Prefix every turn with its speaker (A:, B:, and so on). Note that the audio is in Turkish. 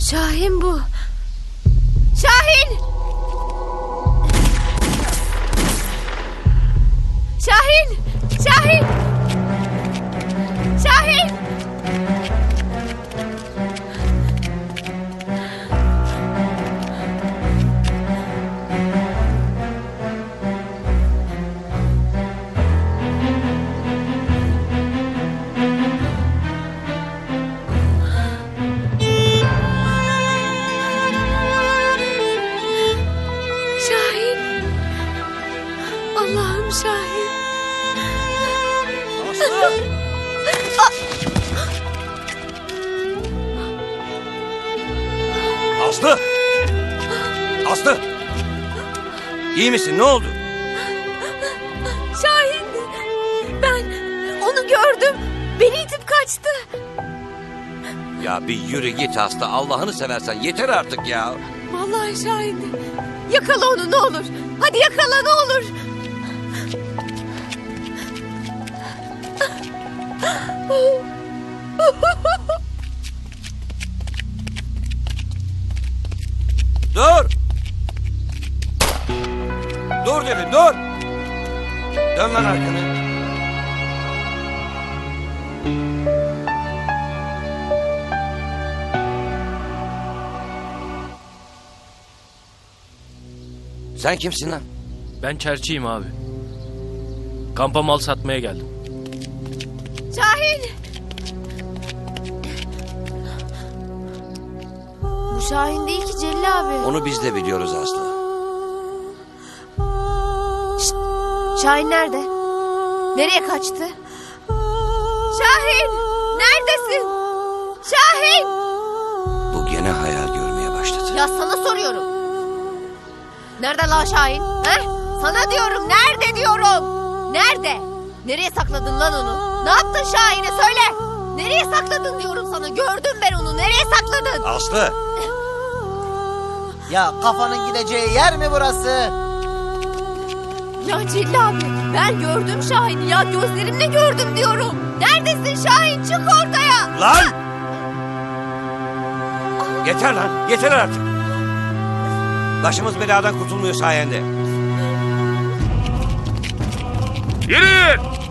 A: Şahin bu. Şahin! Şahin! Şahin! Şahin! Şahin! Allah'ım Şahin!
B: Aslı! Aslı! İyi misin? Ne oldu?
A: Şahin! Ben onu gördüm. Beni itip kaçtı.
B: Ya bir yürü git Aslı. Allah'ını seversen yeter artık ya.
A: Vallahi Şahin. Yakala onu ne olur. Hadi yakala ne olur.
B: Dur! Dur dedim, dur! Dön lan arkanı. Sen kimsin lan?
C: Ben çerçiyim abi. Kampa mal satmaya geldim.
A: Şahin! Bu Şahin değil ki Celil abi.
B: Onu biz de biliyoruz Aslı.
A: Şahin nerede? Nereye kaçtı? Şahin! Neredesin? Şahin!
B: Bu gene hayal görmeye başladı.
A: Ya sana soruyorum. Nerede lan Şahin? He? Sana diyorum. Nerede diyorum? Nerede? Nereye sakladın lan onu? Ne yaptın Şahin'e söyle. Nereye sakladın diyorum sana. Gördüm ben onu. Nereye sakladın?
B: Aslı!
D: Ya kafanın gideceği yer mi burası?
A: Ya Celil abi ben gördüm Şahin'i ya. Gözlerimle gördüm diyorum. Neredesin Şahin? Çık ortaya.
B: Lan! Yeter lan, yeter artık. Başımız beladan kurtulmuyor sayende.
C: Yürüyün!